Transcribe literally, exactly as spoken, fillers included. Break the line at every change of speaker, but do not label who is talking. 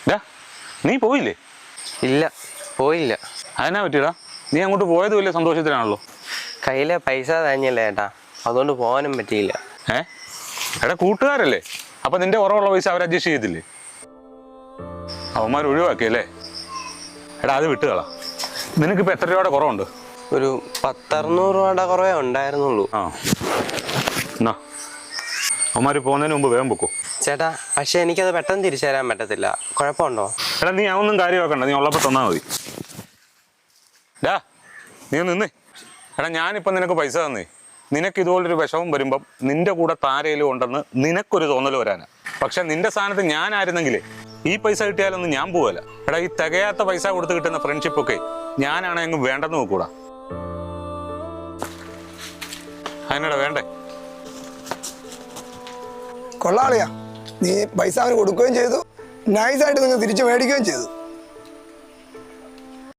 നീ പോയില്ലേ?
ഇല്ല, പോയില്ല.
അതിനാ പറ്റിയടാ? നീ അങ്ങോട്ട് പോയത് വലിയ സന്തോഷത്തിലാണല്ലോ.
കയ്യിലെ പൈസ തന്നെയല്ലേ ഏട്ടാ, അതുകൊണ്ട് പോകാനും പറ്റിയില്ല.
ഏ എടാ, കൂട്ടുകാരല്ലേ, അപ്പൊ നിന്റെ കുറവുള്ള പൈസ അവർ അഡ്ജസ്റ്റ് ചെയ്തില്ലേ? അവന്മാർ ഒഴിവാക്കിയല്ലേ? എടാ അത് വിട്ടുകളാ. നിനക്കിപ്പോൾ എത്ര രൂപയുടെ കുറവുണ്ട്?
ഒരു പത്തറുന്നൂറ് രൂപയുടെ കുറവേ ഉണ്ടായിരുന്നുള്ളൂ.
ആ എന്നാ അവന്മാർ പോകുന്നതിന് മുമ്പ് വേഗം പൊക്കോ.
ചേട്ടാ, പക്ഷെ എനിക്കത് പെട്ടെന്ന് തിരിച്ചു തരാൻ പറ്റത്തില്ല. കുഴപ്പമുണ്ടോ?
എടാ നീ അതൊന്നും കാര്യമാക്കണ്ട, നീ ഉള്ളപ്പോൾ തന്നാൽ മതി. ഡാ നീ നിന്നേ. എടാ ഞാനിപ്പം നിനക്ക് പൈസ തന്നേ, നിനക്ക് ഇതുപോലൊരു വിഷമം വരുമ്പം നിന്റെ കൂടെ താരയിലും ഉണ്ടെന്ന് നിനക്കൊരു തോന്നൽ വരാനാ. പക്ഷെ നിന്റെ സ്ഥാനത്ത് ഞാനായിരുന്നെങ്കിലേ ഈ പൈസ കിട്ടിയാലൊന്നും ഞാൻ പോവല്ല. എടാ ഈ തികയാത്ത പൈസ കൊടുത്ത് കിട്ടുന്ന ഫ്രണ്ട്ഷിപ്പൊക്കെ ഞാനാണെങ്കിൽ വേണ്ടെന്ന് നോക്കൂടാ. അതിനടാ വേണ്ടേ?
കൊള്ളാളിയാ, നീ പൈസ അവന് കൊടുക്കുകയും ചെയ്തു, നൈസായിട്ട് നിങ്ങൾ തിരിച്ചു മേടിക്കുകയും ചെയ്തു.